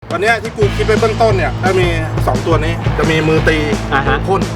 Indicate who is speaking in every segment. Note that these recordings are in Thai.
Speaker 1: วันนี้ที่กูคิดไปเบื้องต้นเนี่ยจะมี2ตัวนี้จะมีมือตีพ่น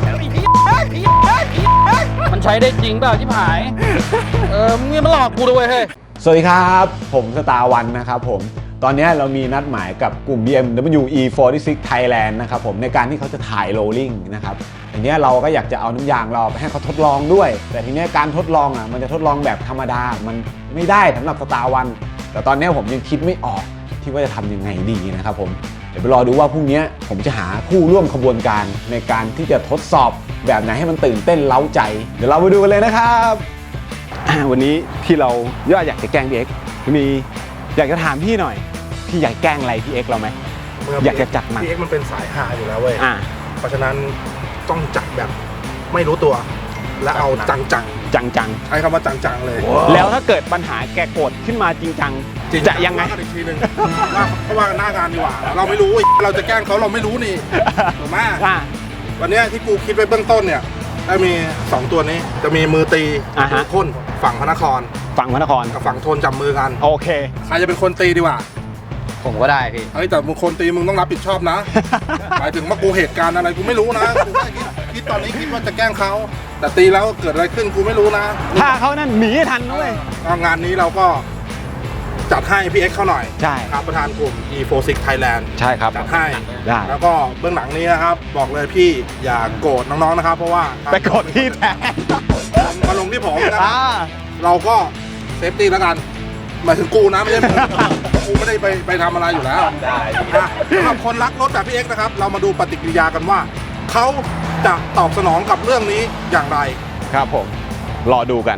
Speaker 2: มันใช้ได้จริงเปล่าที่ผายมึงมาหลอกกูด้วยเฮ้ย
Speaker 3: สวัสดีครับผมสตาร์วันนะครับผมตอนนี้เรามีนัดหมายกับกลุ่ม BMW E46 Thailand นะครับผมในการที่เขาจะถ่ายโรลลิ่งนะครับทีนี้เราก็อยากจะเอาน้ำยางเราไปให้เขาทดลองด้วยแต่ทีนี้การทดลองมันจะทดลองแบบธรรมดามันไม่ได้สำหรับสตาร์วันแต่ตอนนี้ผมยังคิดไม่ออกที่ว่าจะทำยังไงดีนะครับผมเดี๋ยวไปรอดูว่าพรุ่งนี้ผมจะหาผู้ร่วมขบวนการในการที่จะทดสอบแบบไหนให้มันตื่นเต้นเร้าใจเดี๋ยวเราไปดูกันเลยนะครับวันนี้ที่เราอยากจะแกล้งพี่เอ็กซ์มีอยากจะถามพี่หน่อยพี่อยากแกล้งอะไรพี่เอ็กซ์เราไหมอยากจะจัดมัน
Speaker 1: พี่เอ็กซ์มันเป็นสายฮาอยู่แล้วเว้ยเพราะฉะนั้นต้องจัดแบบไม่รู้ตัวและเอาจังใช้คำว่าจังเลย
Speaker 3: แล้วถ้าเกิดปัญหาแกโกรธขึ้นมาจริงจังจะยังไง
Speaker 1: อีกทีนึงเพราะว่าหน้างานดีกว่าเราไม่รู้เราจะแกล้งเขาเราไม่รู้นี่ถูกไหมวันนี้ที่กูคิดไปเบื้องต้นเนี่ยจะมี2ตัวนี้จะมีมือตีพ่นฝั่งพระนครกับฝั่งโทนจับมือกัน
Speaker 3: โอเค
Speaker 1: ใครจะเป็นคนตีดีกว่า
Speaker 2: ผมก็ได้พี่
Speaker 1: แต่มึงคนตีมึงต้องรับผิดชอบนะหมายถึงว่ากูเหตุการณ์อะไรกูไม่รู้นะกูคิดตอนนี้คิดว่าจะแกล้งเขาแต่ตีแล้วเกิดอะไรขึ้นกูไม่รู้นะ
Speaker 3: ถ้าเขานั่นหนีทันด้วย
Speaker 1: งานนี้เราก็จัดให้พี่เอ็กซ์เขาหน่อย
Speaker 3: ใช่
Speaker 1: ครับประธานกลุ่ม E46 Thailand
Speaker 3: ใช่ครับ
Speaker 1: จัดให้แล้วก็เบื้องหลังนี้นะครับบอกเลยพี่อย่าโกรธน้องๆนะครับเพราะว่า
Speaker 3: ไปโกรธพี่แทน
Speaker 1: มาลงที่ผมนะเราก็เซฟตี้แล้วกันหมายถึงกูนะไม่ใช่กูไม่ได้ไปทำอะไรอยู่แล้วสำหรับคนรักรถแบบพี่เอ็กซ์นะครับเรามาดูปฏิกิริยากันว่าเขาจะตอบสนองกับเรื่องนี้อย่างไร
Speaker 3: ครับผมรอดูกัน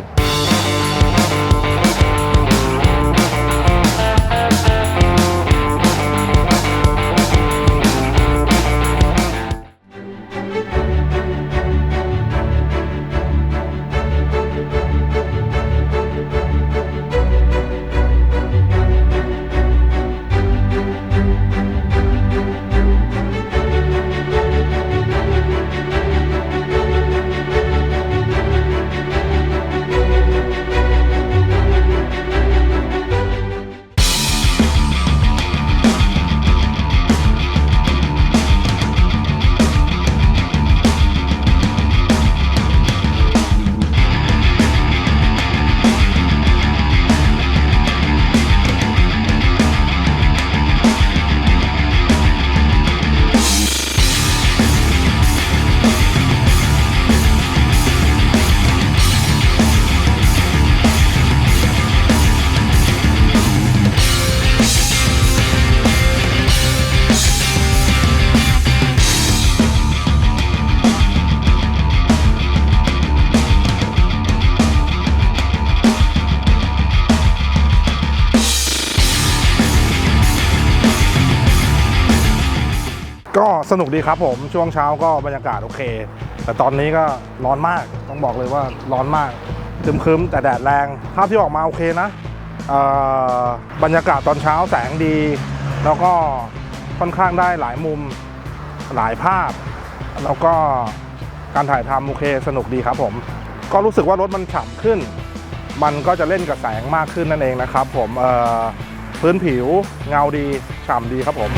Speaker 1: ก็สนุกดีครับผมช่วงเช้าก็บรรยากาศโอเคแต่ตอนนี้ก็ร้อนมากต้องบอกเลยว่าร้อนมากครึ้มๆแต่แดดแรงภาพที่ออกมาโอเคนะบรรยากาศตอนเช้าแสงดีแล้วก็ค่อนข้างได้หลายมุมหลายภาพแล้วก็การถ่ายทำโอเคสนุกดีครับผมก็รู้สึกว่ารถมันฉ่ำขึ้นมันก็จะเล่นกับแสงมากขึ้นนั่นเองนะครับผมพื้นผิวเงาดีฉ่ำดีครับผม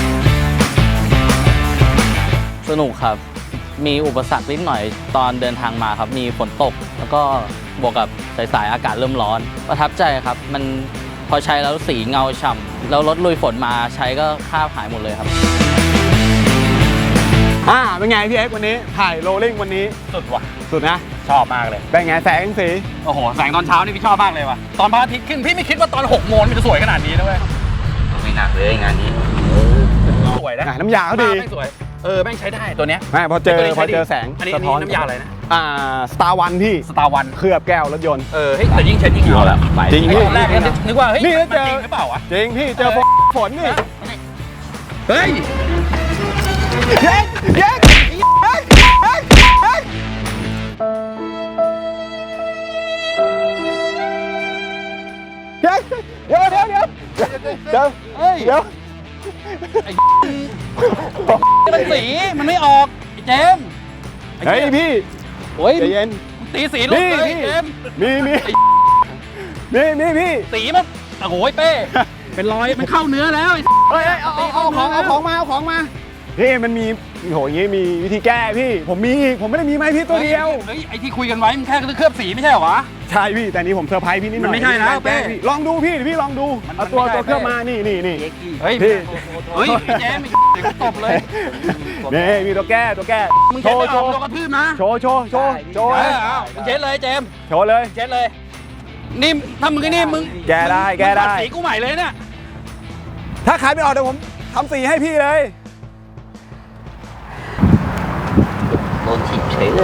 Speaker 2: สนุกครับมีอุปสรรคนิดหน่อยตอนเดินทางมาครับมีฝนตกแล้วก็บวกกับสายๆอากาศเริ่มร้อนประทับใจครับมันพอใช้แล้วสีเงาฉ่ำแล้วรถลุยฝนมาใช้ก็คราบหายหมดเลยครับ
Speaker 3: เป็นไงพี่เอ็กซ์วันนี้ถ่ายโรลลิ่งวันนี้
Speaker 2: สุดว่ะ
Speaker 3: สุดนะ
Speaker 2: ชอบมากเลย
Speaker 3: เป็นไงแสงสี
Speaker 2: โอ้โหแสงตอนเช้านี่พี่ชอบมากเลยว่ะตอนพระอาทิตย์ขึ้นพี่ไม่คิดว่าตอน6 โมงมันจะสวยขนาดนี้นะเว้ยไม่หนักเลยงานนี้สวยนะ
Speaker 3: น้ำยาเขาดี
Speaker 2: ไม่สวยแม่งใช้ได้ตัวเนี้ย
Speaker 3: พอเจอแสง
Speaker 2: อันนี้น้ำยาอะไรนะ
Speaker 3: สตาร์วันพี่
Speaker 2: สตาร์วัน
Speaker 3: เคลือบแก้วรถยนต์
Speaker 2: เฮ้ยแต่ยิ่งใช้ยิ่งเอาแล้ว
Speaker 3: จริงพี่
Speaker 2: แรกนึกว่าเฮ้ย
Speaker 3: นี่
Speaker 2: จริงหรือเปล่าวะ
Speaker 3: จริงพี่เจอฝนนี่
Speaker 2: เฮ้ย
Speaker 3: เย้เดี๋ยว
Speaker 2: มันสีมันไม่ออกไอ้เจม
Speaker 3: เฮ้ยพี่
Speaker 2: โอ้ย
Speaker 3: ใจเย็น
Speaker 2: ตีสีลูกเลยเจม
Speaker 3: มีพี่สีมัน
Speaker 2: โอ้โหเป้
Speaker 4: เป็นรอยมันเข้าเนื้อแล้ว
Speaker 3: เฮ้ยเอาของมาพี่มันมีโหอย่างงี้มีวิธีแก้พี่ผมมีอีกผมไม่ได้มีไม้พี่ตัวเดียว
Speaker 4: เฮ้ยไอที่คุยกันไว้มันแค่เคลือบสีไม่ใช่เหรอวะ
Speaker 3: ใช่พี่แต่นี้ผมเซอร์ไพรส์พี่นิดหน่อย
Speaker 4: มันไม่ใช่นะเป้
Speaker 3: ลองดูพี่ลองดูเอาตัวเคลือบมานี่
Speaker 4: เฮ้ย
Speaker 3: พี่
Speaker 4: เฮ้ยแจมเดี๋ยวตบเลย
Speaker 3: นี่มีตัวแก้
Speaker 4: มึงเช็ดไม่ออกโดนกระทืบนะ
Speaker 3: โชว์
Speaker 4: มึงเช็ดเลยเจม
Speaker 3: โชว์เลย
Speaker 4: เช็ดเลยนี่ถ้ามึงนี่มึง
Speaker 3: แก้ได้
Speaker 4: ตัดสีกูใหม่เลยเนี่ย
Speaker 3: ถ้าขายไม่ออกเดี๋ยวผมทำสีให้พี่เลย
Speaker 2: โดนถีบเฉยเลย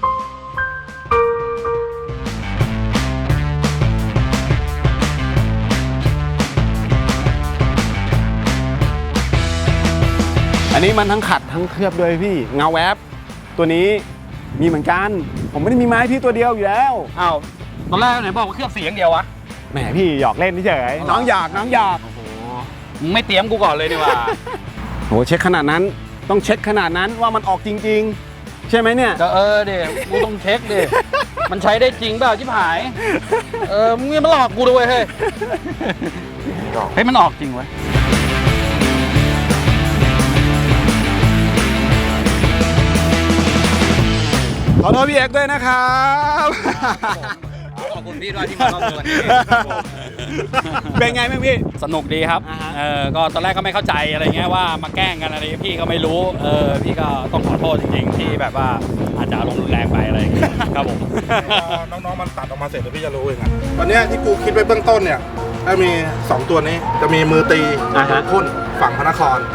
Speaker 3: อันนี้มันทั้งขัดทั้งเคลือบด้วยพี่เงาแวบตัวนี้มีเหมือนกันผมไม่ได้มีไม้พี่ตัวเดียวอยู่แล้ว
Speaker 4: อ้าวตอนแรกไหนบอกว่าเคลือบสีอย่างเดียววะ
Speaker 3: แหมพี่หยอกเล่นเฉยน้องหยอก
Speaker 4: โอ้โหมึงไม่เตรียมกูก่อนเลยนี่ว่า
Speaker 3: โหเช็คขนาดนั้นต้องเช็คขนาดนั้นว่ามันออกจริงๆ ใช่ไหมเนี่ย
Speaker 4: ก็เดี๋ยวกูต้องเช็คดิมันใช้ได้จริงเปล่าชิบหายมึงมาหลอกกูด้วยเฮ้ยมันออกจริงเว้ย
Speaker 3: ขอโทษพี่เอกด้วยนะครับ
Speaker 4: ขอบคุณพี่ด้วยที่มาร่วมด้วย
Speaker 3: เป็นไงบ้างพี่
Speaker 4: สนุกดีครับ ก็ตอนแรกก็ไม่เข้าใจอะไรเงี้ยว่ามาแกล้งกันอะไรพี่ก็ไม่รู้พี่ก็ต้องขอโทษจริงๆที่แบบว่าอาจจะอารมณ์รุนแรงไปอะไรอย่างเงี้ยครับผม
Speaker 1: น้องๆมันตัดออกมาเสร็จเดี๋ยวพี่จะรู้เองอะตอนเนี้ยที่กูคิดไว้เบื้องต้นเนี่ยจะมี 2 ตัวนี้จะมีมือตีพ่นฝั่งพระนคร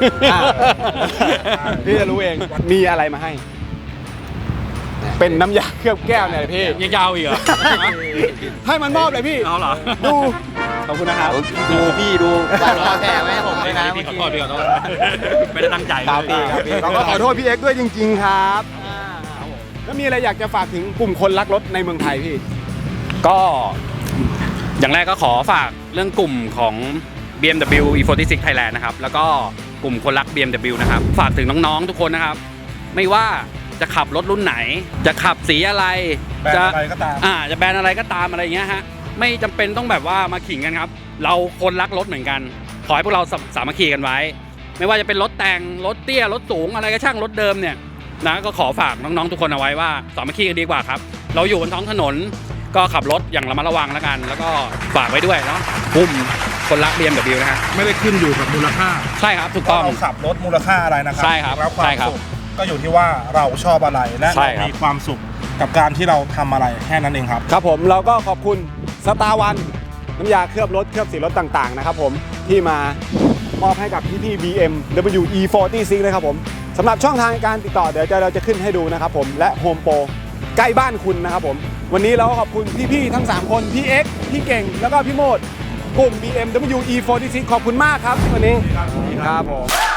Speaker 3: พี่จะรู้เองมีอะไรมาให้ เป็นน้ำยาเคลือบแก้วเนี่ยพี่
Speaker 4: ยังยาวอีกเหรอ
Speaker 3: ให้มันมอบเลยพี่
Speaker 4: เอาเหรอ
Speaker 3: ดูขอบคุณนะครับ
Speaker 2: ดูพี่ดูบ้านรอแค่ไม่ให้ผมเลยนะ
Speaker 4: พี่ขอโทษพี่ขอโทษไม่ได้ตั้งใจ
Speaker 3: ครับพี่เราก็ขอโทษพี่เอกด้วยจริงๆครับแล้วมีอะไรอยากจะฝากถึงกลุ่มคนรักรถในเมืองไทยพี่
Speaker 4: ก็อย่างแรกก็ขอฝากเรื่องกลุ่มของ BMW E46 Thailand นะครับแล้วก็กลุ่มคนรัก BMW นะครับฝากถึงน้องๆทุกคนนะครับไม่ว่าจะขับรถรุ่นไหนจะขับสีอะไร
Speaker 1: แบรนด์อะไรก็ตาม
Speaker 4: จะแบรนด์อะไรก็ตามอะไรเงี้ยฮะไม่จำเป็นต้องแบบว่ามาขิงกันครับเราคนรักรถเหมือนกันขอให้พวกเราสามัคคีกันไว้ ไม่ว่าจะเป็นรถแต่งรถเตี้ยรถสูงอะไรก็ช่างรถเดิมเนี่ยนะก็ขอฝากน้องๆทุกคนเอาไว้ว่าสามัคคีกันดีกว่าครับเราอยู่บนท้องถนนก็ขับรถอย่างระมัดระวังแล้วกัน แล้วก็ฝากไว้ด้วยเนาะกลุ่มคนรัก BMW นะฮะ
Speaker 1: ไม่ได้ขึ้นอยู่กับมูลค่า
Speaker 4: ใช่ครับถูกต้อง
Speaker 1: เราขับรถมูลค่าอะไรนะครั
Speaker 4: ใช่ครับ
Speaker 1: แล้วควา
Speaker 4: ใช่
Speaker 1: ม
Speaker 4: ครับ
Speaker 1: สุขก็อยู่ที่ว่าเราชอบอะไรและ
Speaker 4: ใช่
Speaker 1: เรา
Speaker 4: ครับ
Speaker 1: มีความสุขกับการที่เราทำอะไรแค่นั้นเองครับ
Speaker 3: ครับผมเราก็ขอบคุณสตาร์วันน้ำยาเคลือบรถเคลือบสีรถต่างๆนะครับผมที่มามอบให้กับพี่ๆ BMW E46 นะครับผมสำหรับช่องทางการติดต่อเดี๋ยวเราจะขึ้นให้ดูนะครับผมและโฮมโปรใกล้บ้านคุณนะครับผมวันนี้เราก็ขอบคุณพี่ๆทั้ง3คนพี่เอ็กซ์พี่เก่งแล้วก็พี่โมดกลุ่ม BMW E46 ขอบคุณมากครับวันนี้ครับผม